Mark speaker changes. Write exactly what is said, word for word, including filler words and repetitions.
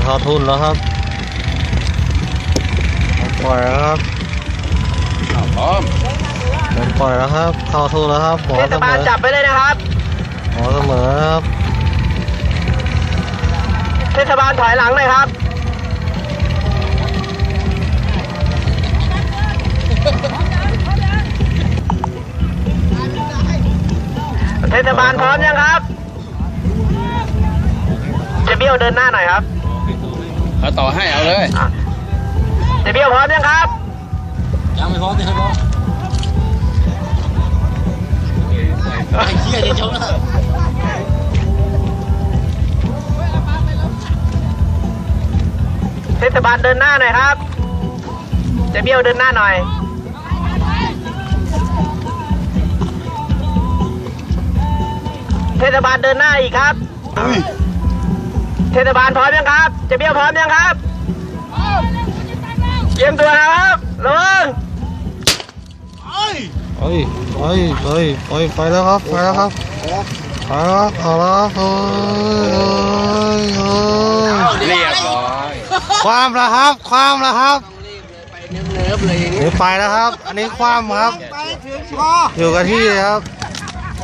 Speaker 1: เข้าทุนแล้วครับปล่อยแล้วครับพร้อมปล่อยแล้วครับเข้าทุนแล้วครับหมอเสมอจับไปเลยนะครับหมอเสมอครับเทศบาลถอยหลังเลยครับเทศบาลพร้อมยังครับเจเบี้ยวเดินหน้าหน่อยครับเอาต่อให้เอาเลยเจเบี้ยวพร้อมยังครับยังไม่พร้อมยังไม่พร้อมไอ้เหี้ยจะชมนะเทศบาลเดินหน้าหน่อยครับเจเบี้ยวเดินหน้าหน่อยเทศบาลเดินหน้าอีกครับเทศบาลพร้อมยังครับเจเบี้ยวพร้อมยังครับเตรียมตัวนะครับระวังเอ้ยเอ้ยเอ้ยเอ้ยเอ้ยไปแล้วครับไปแล้วครับไปแล้วครับเอาแล้วครับเฮ้ยเฮ้ยเรียบร้อยความแล้วครับความแล้วครับเนิบๆเลยนี่ไปแล้วครับอันนี้ความครับอยู่กับที่เลยครับ